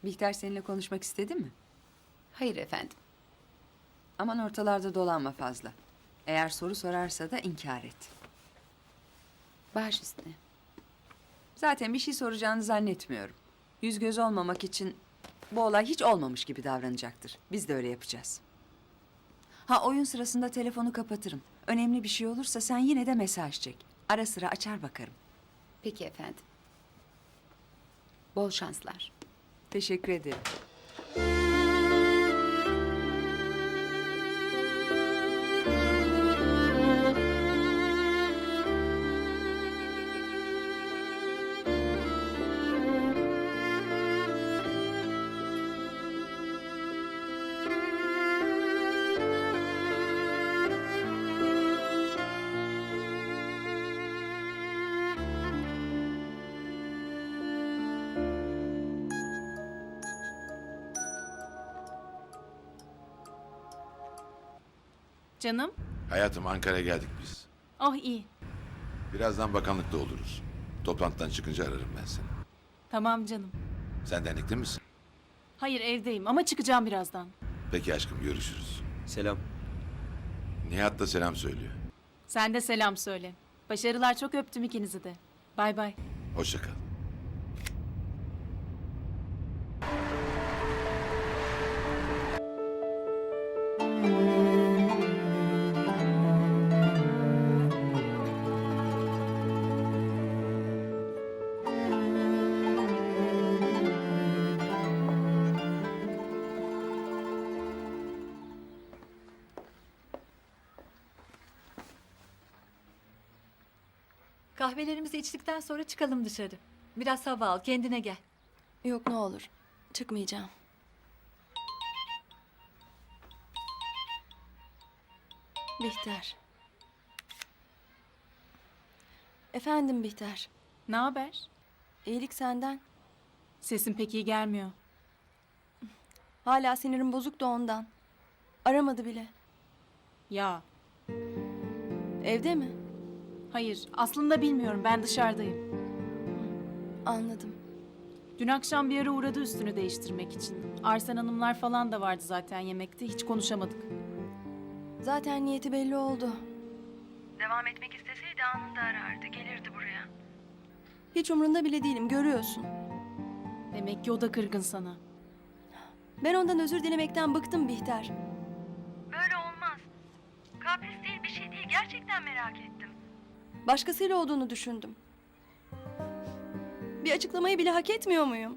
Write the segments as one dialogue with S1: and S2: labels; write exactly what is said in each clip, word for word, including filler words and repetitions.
S1: Bihter seninle konuşmak istedi mi?
S2: Hayır efendim.
S1: Aman ortalarda dolanma fazla. Eğer soru sorarsa da inkar et.
S2: Baş üstüne.
S1: Zaten bir şey soracağını zannetmiyorum. Yüz göz olmamak için bu olay hiç olmamış gibi davranacaktır. Biz de öyle yapacağız. Ha, oyun sırasında telefonu kapatırım. Önemli bir şey olursa sen yine de mesaj çek. Ara sıra açar bakarım.
S2: Peki efendim. Bol şanslar.
S1: Teşekkür ederim.
S3: Canım?
S4: Hayatım, Ankara'ya geldik biz.
S3: Oh iyi.
S4: Birazdan bakanlıkta oluruz. Toplantıdan çıkınca ararım ben seni.
S3: Tamam canım.
S4: Sen dernekte misin?
S3: Hayır evdeyim ama çıkacağım birazdan.
S4: Peki aşkım, görüşürüz.
S5: Selam.
S4: Nihat da selam söylüyor.
S3: Sen de selam söyle. Başarılar, çok öptüm ikinizi de. Bay bay.
S4: Hoşça kal.
S6: Kahvelerimizi içtikten sonra çıkalım dışarı. Biraz hava al, kendine gel.
S7: Yok ne olur. Çıkmayacağım. Bihter. Efendim Bihter.
S3: Ne haber?
S7: İyilik senden.
S3: Sesin pek iyi gelmiyor.
S7: Hala sinirim bozuk da ondan. Aramadı bile.
S3: Ya,
S7: Evde mi?
S3: hayır. Aslında bilmiyorum. Ben dışarıdayım.
S7: Anladım.
S3: Dün akşam bir ara uğradı üstünü değiştirmek için. Arsen Hanımlar falan da vardı zaten yemekte. Hiç konuşamadık.
S7: Zaten niyeti belli oldu.
S8: Devam etmek isteseydi anında arardı, gelirdi buraya.
S7: Hiç umrunda bile değilim, görüyorsun.
S3: Demek ki o da kırgın sana.
S7: Ben ondan özür dilemekten bıktım Bihter.
S8: Böyle olmaz. Kapris değil, bir şey değil. Gerçekten merak ettim.
S7: Başkasıyla olduğunu düşündüm. Bir açıklamayı bile hak etmiyor muyum?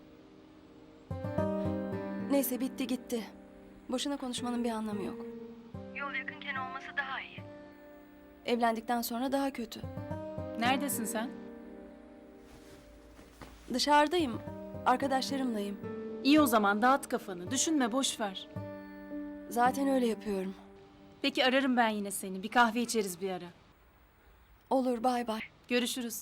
S7: Neyse bitti gitti. Boşuna konuşmanın bir anlamı yok.
S8: Yol yakınken olması daha iyi.
S7: Evlendikten sonra daha kötü.
S3: Neredesin sen?
S7: Dışarıdayım. Arkadaşlarımlayım.
S3: İyi o zaman, dağıt kafanı. Düşünme, boş ver.
S7: Zaten öyle yapıyorum.
S3: Peki ararım ben yine seni. Bir kahve içeriz bir ara.
S7: Olur, bay bay.
S3: Görüşürüz.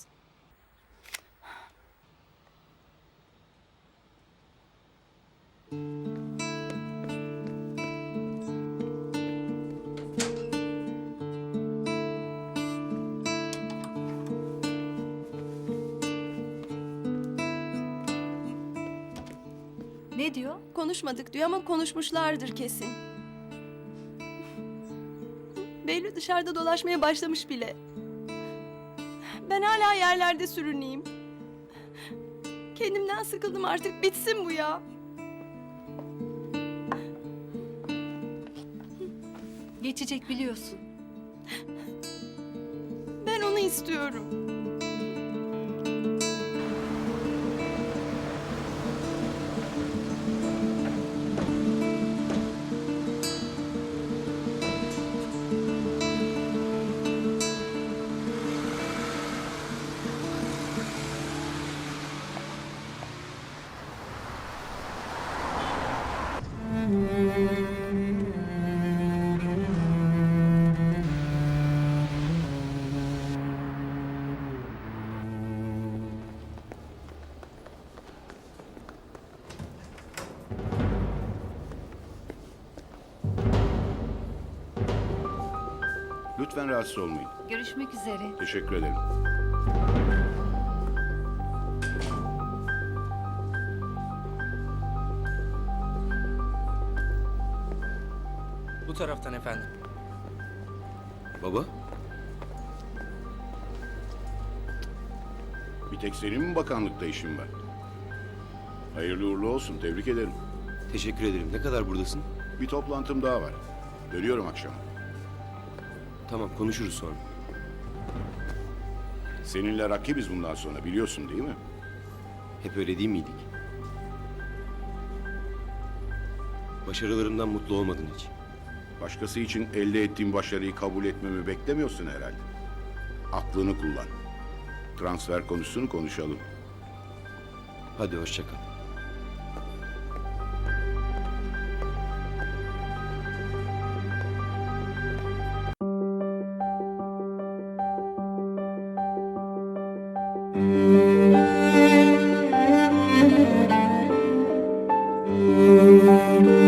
S6: Ne diyor?
S7: Konuşmadık diyor ama konuşmuşlardır kesin. Behlül dışarıda dolaşmaya başlamış bile. Ben hala yerlerde sürüneyim. Kendimden sıkıldım artık, bitsin bu ya.
S6: Geçecek biliyorsun.
S7: Ben onu istiyorum.
S9: Lütfen rahatsız olmayın.
S6: Görüşmek üzere.
S9: Teşekkür ederim.
S5: Bu taraftan efendim.
S9: Baba?
S10: Bir tek senin mi bakanlıkta işin var? Hayırlı uğurlu olsun, tebrik ederim.
S9: Teşekkür ederim. Ne kadar buradasın?
S10: Bir toplantım daha var. Dönüyorum akşama.
S9: Tamam, konuşuruz sonra.
S10: Seninle rakibiz bundan sonra, biliyorsun değil mi?
S9: Hep öyle değil miydik? Başarılarımdan mutlu olmadın hiç.
S10: Başkası için elde ettiğim başarıyı kabul etmemi beklemiyorsun herhalde. Aklını kullan. Transfer konusunu konuşalım.
S9: Hadi hoşça kal.
S7: Müzik